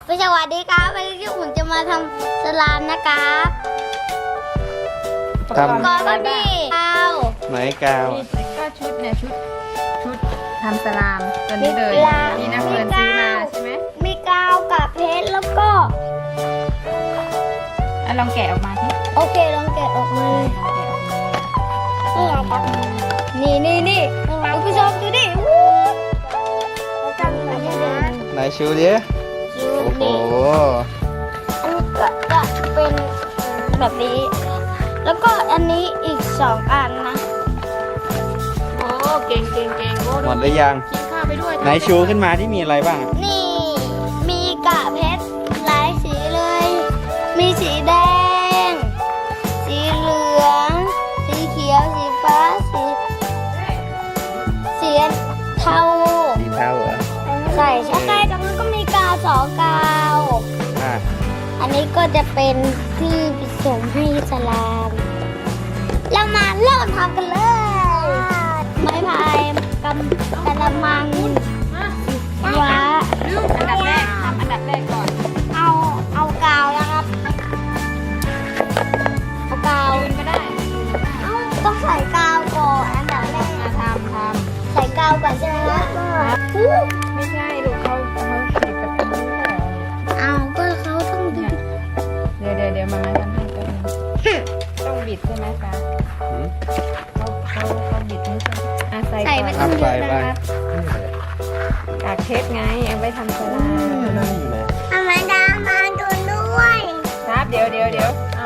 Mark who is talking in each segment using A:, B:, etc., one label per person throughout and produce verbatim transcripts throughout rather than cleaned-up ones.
A: สวัสดีครับวันนี้ผมจะมาทำสลามนะครับ
B: ทำ
A: ก่อนก็มีกาว
B: ไหนกาว
C: ก็ชุดเนี่ยชุดชุดทำสลามตัวนี้เลยนี่นะเพื่อนซื้อมาใช่ไหม
A: มีกาวกับเพชรแล้วก็
C: อ่ะลองแกะออกมาที่
A: โอเคลองแกะออกมาเลยนี่ไงครับนี่นี่นี่คุณผู้ชมดูดิวู้จำมาได้เลย
B: ไหนชิวดิ
A: คิว
B: โอ้โห
A: นี่อันนี้ก็จะเป็นแบบนี้ แล้วก็อันนี้อีกสองอันนะ
C: โอ้เก่งเก่งเก่งโอ้
B: หมดหรือยัง
C: กินข้าวไปด้วย
B: ไหนชูขึ้นมาที่มีอะไรบ้างอะ
A: นี่มีกะเพชรหลายสีเลย มีสีแดง สีเหลือง สีเขียว สีฟ้า สีสีเทา
B: สีเทาเหรอ
A: ใส่ใช่ๆจากนั้นก็มีกาวสองกาว
B: อ่ะ
A: อันนี้ก็จะเป็นที่ผสมให้สลาม เรามาเริ่มทำกันเลย ไม้พายกำกระมังว้า
C: อันดับแรกทำอันดับแรกก่อน
A: เอาเอากาวนะครับ เอากาว
C: ยืนก็ได้
A: เอาต้องใส่กาวก่อนอันดับแรก
C: มาทำท
A: ใส่กาวก่อนใช่ไหมครับ
C: ำไม่ใช่ลูกเขาเขาติดกับตรงนี้เหรอ
A: เอาก็เขาต้องดึง
C: เดี๋ยวเดี๋ยวเดี๋ยวมามาทำให้ก็ต้องบิดใช่ไหมคะ
B: หืม
C: เขาเขาเขาบิดนี่ใช่ไหมอ่ะใส่
A: ใส่
C: ก่
A: ไม่
C: อน
A: ต้องเยอะนะครับ
C: กากเพชรไงเอาไว้ทำสลาม
A: ทำไมดามาดูด้วย
C: ครับเดี๋ยวเดี๋ยวเดี๋ยวเอา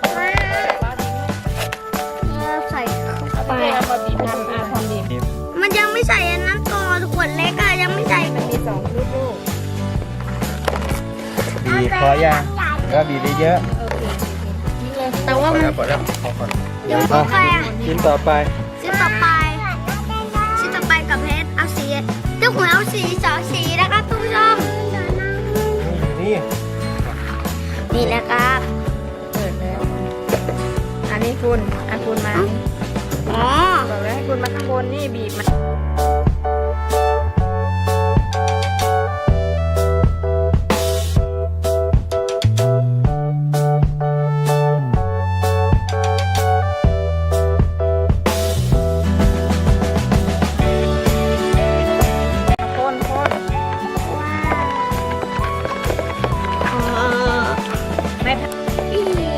A: เราใส่เข้า
C: เอา
A: ไป
C: ไปเอามาบีบทำอ่ะทำบีบ
A: มันยังไม่ใส่อันนั้นก่อนขวดเล็กอะยังไม่ใส่
C: มันมีสองลูกลูก
B: บีบพอยังก็บีบได้เยอะ
C: โอเคนี่เลย
A: แต่ว่ามัน
B: พอแล้วพอก่อน
A: ยังไม่ไปอะ
B: ชิ้นต่อไป
A: ชิ้นต่อไปชิ้นต่อไปกับเพชรเอาสีเจ้าหัวเอาสีสองสีนะครับทุกผู้ชม
B: นี่
A: นี่นะครับ
C: เปิดแล้วอันนี้คุณอันคุณมา
A: อ๋อ
C: บอกแล้วให้คุณมาข้างบนนี่บีบมาคนคน
A: อ๋อ
C: ไม่
A: อี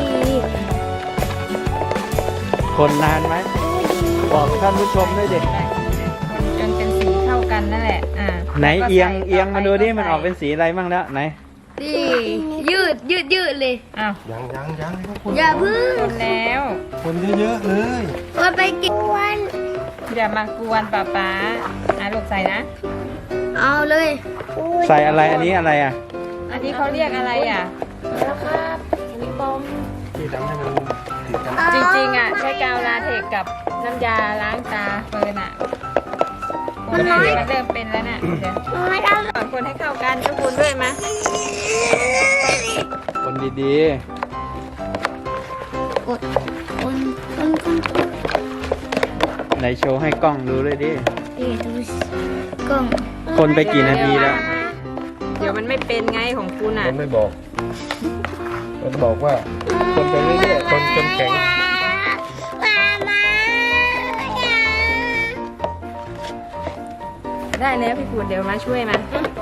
B: คนนานไหมบอกท่านผู้ชมด้วยดิ
C: คนจนเป็นสีเข้ากันนั่นแหละอ่า
B: ไหนเอียงเอียงมาดูดิมันออกเป็นสีอะไรบ้างแล้วไหน
A: นี่ยืดยืดยืดเลย
C: อ้าว
D: ยังยังยังให้คน
A: อย่าพึ่ง
C: คนแล้ว
D: คนเยอะๆเลย
A: ว่าไปกินวัน
C: อย่ามากวนป้าป๊าอ่ะลูกใส่นะ
A: เอาเลย
B: ใส่อะไรอันนี้อะไรอ่ะ
C: อันนี้เขาเรียกอะไรอ่ะ
A: แล้วครับอันนี้บอม
D: ที่ทำให้มันติดกัน
C: จริงๆอ่ะใช้กาวลาเทกกับน้ำยาล้างตาเฟิร์นอ่ะ
A: มันน้อย
C: มันเริ่มเป็นแล้วน่ะเดี๋ยว
A: ไม่ได้
C: สอนคนให้เข้ากันทุกคนด้วยมะ
B: คนดี
A: กดคนคนคน
B: ๆไหนโชว์ให้กล้องดูด้วยดิ
A: ดีดูสิกล้อง
B: คนไปกี่นาทีแล้ว
C: เดี๋ยวมันไม่เป็นไงของคุณอ่ะ
D: มันไม่บอก มันบอกว่า คนไปเรื่อยๆคนจนแข็ง
A: มามา
C: ได้แล้วพี่คุณเดี๋ยวมาช่วยมา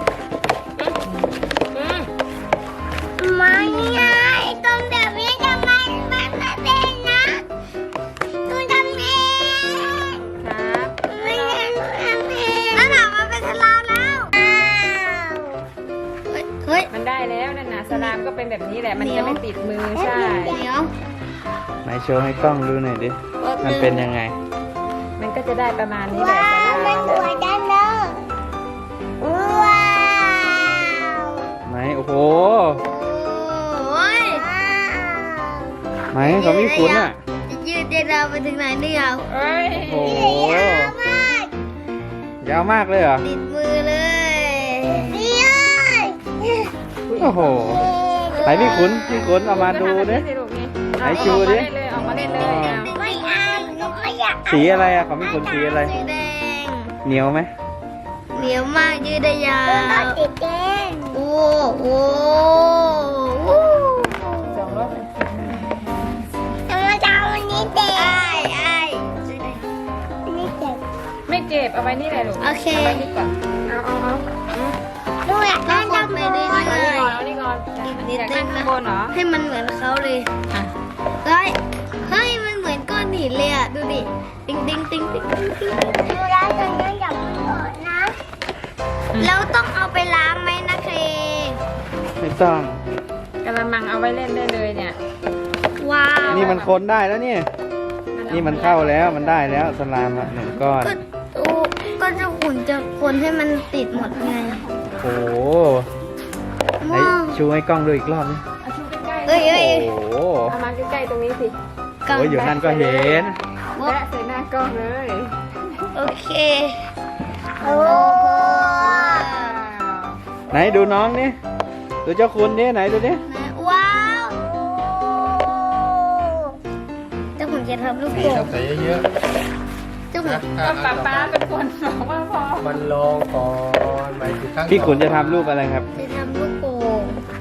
A: ไม่ไงตรงแบบนี้ทำไมมันไม่เป็นนะคุณทำเอง
C: ครับ
A: ไม่ใช่คุณทำเองแล้วหนามันเป็นสลามแล้วอ้าวเฮ้ยเฮ้ย
C: มันได้แล้วนั่นน่ะสลามก็เป็นแบบนี้แหละมันจะไม่ติดมือใช่
A: เดี๋ยว
B: ไหนโชว์ให้กล้องดูหน่อยดิมันเป็นยังไง
C: มันก็จะได้ประมาณนี้แหละสลาม
A: มันสวยจังเลยว้าว
B: ไหนโอ้โห
A: โอ้ย
B: ไหนเขาไม่คุ้นอ่ะ
A: จะยืดเดเราไปถึงไหนเนี่ย
C: เอ้ย
B: โอ้โหยาวมากเลยเหรอ
A: ติดมือเลยนี่เลย
B: โอ้โหไหนพี่ขุนพี่ขุนเอามาดูดิ ไหนชูดิ
C: ออกมาเล่นเลยออกมาเล่นเลยเอา
A: ไม่เอาหนูไม่อยาก
B: สีอะไรอ่ะของพี่ขุนสีอะไร
A: สีแดง
B: เหนียวไหม
A: เหนียวมากยืดได้ยาวติดแดงโอ้โห
C: เอาไว้นี่เลยลูก
A: โอเค
C: เอาไว้นี่ก่อนเอาเอาเอา
A: ดูอยากได้จังเลย
C: เอานี่ก่อนเอานี่ก่อนอยากนั่งข้างบนเหรอ
A: ให้มันเหมือนเขาเลย
C: อ่ะ
A: เฮ้ยเฮ้ยมันเหมือนก้อนหินเลยอ่ะดูดิติ๊งติ๊งติ๊งติ๊งติ๊งติ๊งดูแล้วตอนนี้อย่าเพิ่งเปิดนะแล้วต้องเอาไปล้างไหมนะเค
B: ไม่ต้อง
C: กระมังเอาไว้เล่นได้เลยเนี่ย
A: ว้าว
B: นี่มันคนได้แล้วเนี่ยนี่มันเข้าแล้วมันได้แล้วสลามอะหนึ่งก้อน
A: ก็ดูก็จะหุ่นจะคนให้มันติดหมดไง
B: โอ้โหไหน
A: ว้าว
B: ชูให้กล้องดูอีกรอบนี่
C: เอาชูใกล้ๆ
A: เอ้ยเอ้ย
B: โอ้โห
C: เอามาใกล้ๆตรงนี้สิ
A: กล่อง
B: โอ้ยอยู่นั่นก็เห็น
C: แปะใส่หน้ากล้องเลย
A: โอเคโอ้
B: ไหนดูน้องนี่ดูเจ้าคุณนี่ไหนดูนี่
A: ว้าวเจ้าหุ่นจะทำลูก
D: สี
A: โป่ง
D: ต้องใส่เยอะ
A: เจ้า
D: ๆ
A: หุ่น
D: นะ
C: ก็ป้าป้าเป็นคนบอกว่าพอ
D: มันลองก่อนหมายถึงครั้ง
B: พี่ขุนจะทำรูปอะไรครับ
A: จะทำลูกโป่ง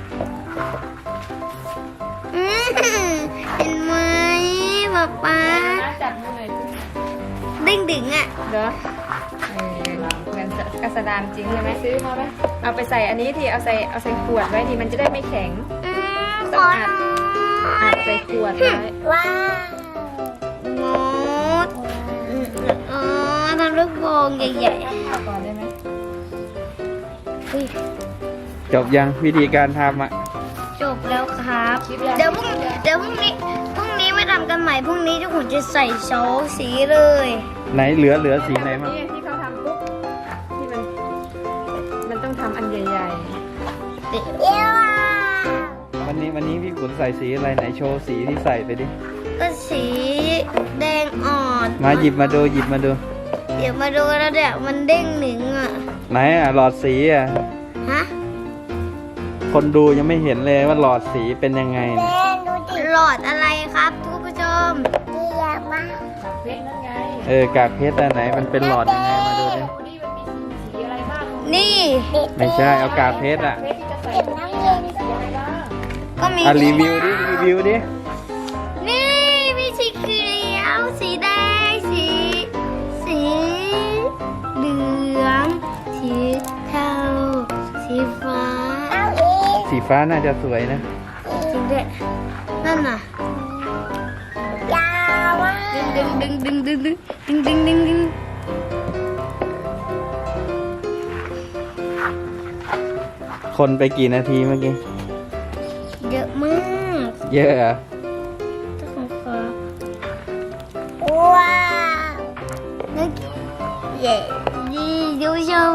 A: อืมเห็นไหมป๊าป๊า
C: ป้าจับมือหน่อยสิ
A: ดิ่งดิ่งอ่ะ
C: เด้อเออเหมือนกระสดานจริงใช่ไหมซื้อมาไหมเอาไปใส่อันนี้ที่เอาใส่เอาใส่ขวดไว้ดีมันจะได้ไม่แข็ง
A: อืม
C: ต้
A: ข
C: อง
A: อ
C: อัด
A: หน่
C: อั
A: อ
C: ดใส่ขวดไว้
A: ว้าวงดอืมอ๋อทำลูกโป่งใหญ่
C: เอาก่อนได้ไหม
A: ๆอุ๊ย
B: จบยังวิธีการทำอ่ะ
A: จบแล้วครับ เดี๋ยวพรุ่งเดี๋ยวพรุ่งนี้พรุ่งนี้มาทำกันใหม่พรุ่งนี้เจ้าขุนจะใส่โชว์สีเลย
B: ไหนเหลือเหลือสีไหนมั้ง
C: นี่ที่เขาทำปุ๊บที่มันมันต้องทำอันใหญ่
A: เดี๋ยว
B: วันนี้วันนี้พี่ขุนใส่สีอะไรไหนโชว์สีที่ใส่ไปดิ
A: ก็สีแดงอ่อน
B: มาหยิบมาดูหยิบมาดู
A: เดี๋ยวมาดูแล้วเดี๋ยวมันเด้งหนึ่งอ่ะ
B: ไหนอ่ะหลอดสีอ่ะ
A: ฮะ
B: คนดูยังไม่เห็นเลยว่าหลอดสีเป็นยังไงนะ
A: หลอดอะไรครับทุกผู้ชมเรียกมา
C: ๆกับเพชรนั่นไง
B: เออกากเพชรอันไหนมันเป็นหลอดยังไงมาดูดิ
C: ดูนี่มันมีสีอะไรบ้าง
A: นี่
B: ไม่ใช่เอากากเพชรอ่ะ
C: เพชรที่จะใส่น้ำเย็นสีอะไรบ้าง
A: ก็มี
B: อ่ะรีวิวดิรีวิวดิ
A: นี่มีสีเขียวสีแดงสีสีเหลืองสีเทาสีฟ้า
B: สีฟ้าน่าจะสวยนะ
A: จริงด้วยนั่นน่ะยาวมากดึงดึงดึงดึงดึงดึงดึงดึงดึง
B: คนไปกี่นาทีเมื่อกี้
A: เยอะมาก
B: เยอะเหรอ
A: เจ้าของฟ้าว้าวนึกเย่ดีดูชม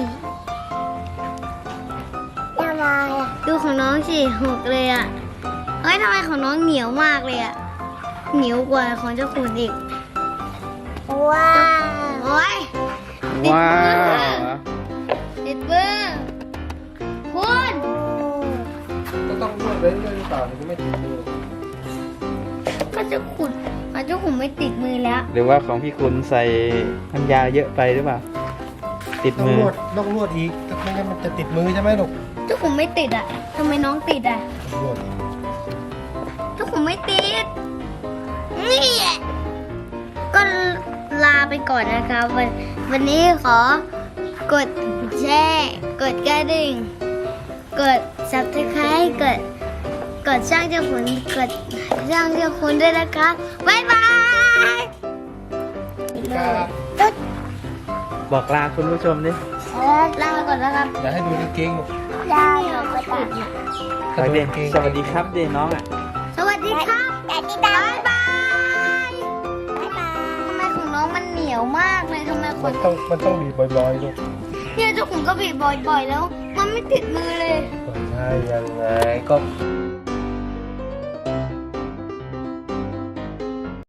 A: ยังไงดูของน้องสิหกเลยอ่ะเฮ้ยทำไมของน้องเหนียวมากเลยอ่ะเหนียวกว่าของเจ้าขุนอีกว้าวโอ้ย
B: ว้าว
A: ติดมือคุณ
D: ก็ต้องนวดเรื่อยๆหรือเปล่าถึงจะไม่ติดมือ
A: ก็จะขุดมันเจ้าขุนไม่ติดมือแล้ว
B: หรือว่าของพี่คุณใส่น้ำยาเยอะไปหรือเปล่า ติด
D: ต้อง
B: มือน
D: วดต้องนวดอีกถ้าไม่งั้นมันจะติดมือใช่ไหมลูก
A: เจ้าขุนไม่ติดอ่ะทำไมน้องติดอ่ะ
D: นวดอีก
A: เจ้าขุนไม่ติดนี่ก็ลาไปก่อนนะครับวันวันนี้ขอกดแชร์กดกระดิ่งกด ซับสไครบ์กดกดช่างเจ้าขุนกดช่างเจ้าขุนด้วยนะครับบ๊ายบาย
D: ครับ
A: ตุ๊ด
B: บอกลาคุณผู้ชมดิ
A: ลาไปก่อนนะครับ
D: เดี๋ยวให้ดูกางเกงลูก
A: ลาไปก่อน
B: ไปดิสวัสดีครับดิน้องอ่ะ
A: สวัสดีครับบ๊ายบายบ๊ายบายทำไมของน้องมันเหนียวมากเลยทำไมค
D: มัน นต้องมันต้องบีบบ่อยๆลูก
A: เนี่ยเจ้าขุนก็บีบบ่อยๆแล้ว มันไม่ติดมือเลย
D: ใช่ยังไงก็